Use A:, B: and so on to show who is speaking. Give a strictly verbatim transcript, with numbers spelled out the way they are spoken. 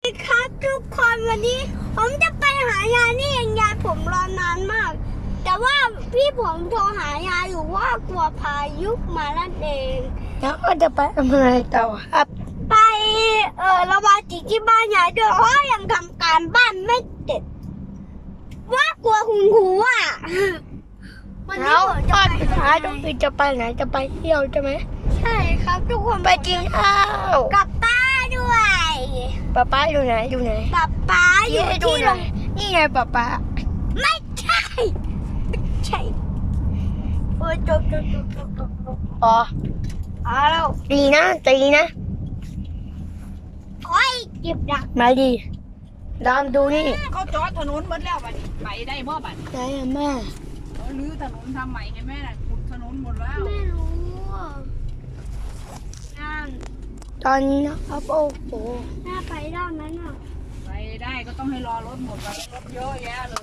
A: ดีครับทุกคนวันนี้ผมจะไปหายายนี่เองยายผมรอนานมาก แต่ว่าพี่ผมโทรหายายอยู่ว่ากลัวพายุมาลั่นเอง
B: แล้วก็จะไปทำอะไรต่อครับ
A: ไปเออระบายสีที่บ้านยายด้วยเพราะยังทำการบ้านไม่เสร็จว่ากลัวคุณครูอ่ะวันนี้
B: แล้ว
A: ผม
B: ต
A: จะ
B: อน
A: ไป
B: สุดท้ายต้องคือจะไปไหนจะไปเที่ยวใช่ไหม
A: ใช่ครับทุกคน
B: ไปกินข้าว
A: กับป้าด้วย
B: ป๊าป๊าอยู่ไหนอยู่ไหน
A: ป้าป้าอยู่
B: ให้ดู
A: ที่
B: ห
A: โร
B: น่อง ยนี่ไงป๊าป๊า
A: ไม่ใช่ไม่ใช่โอ้ยจบจบจบจบจบจบ
B: อ๋อ
A: เอาแล้ว
B: ดีนะตีนะ
A: โอ้ยเก็บดัก
B: มาดีดามดูนี่
C: เขาจอดถนนหมดแล้วบัดนี้ไปได้บ่บัดนี้
B: ไหนอะแม่
C: เขาลื้อถนนทำใหม่ให้แม่น่ะขุดถนนหมดแล้ว
A: ไม่รู้อ่ะนั่น
B: ตอนนี้นะครับโอ้โห
A: น่าไปได้ไหมน่ะ
C: ไปได้ก็ต้องให้รอรถหมดก่อนรถเยอะแยะเล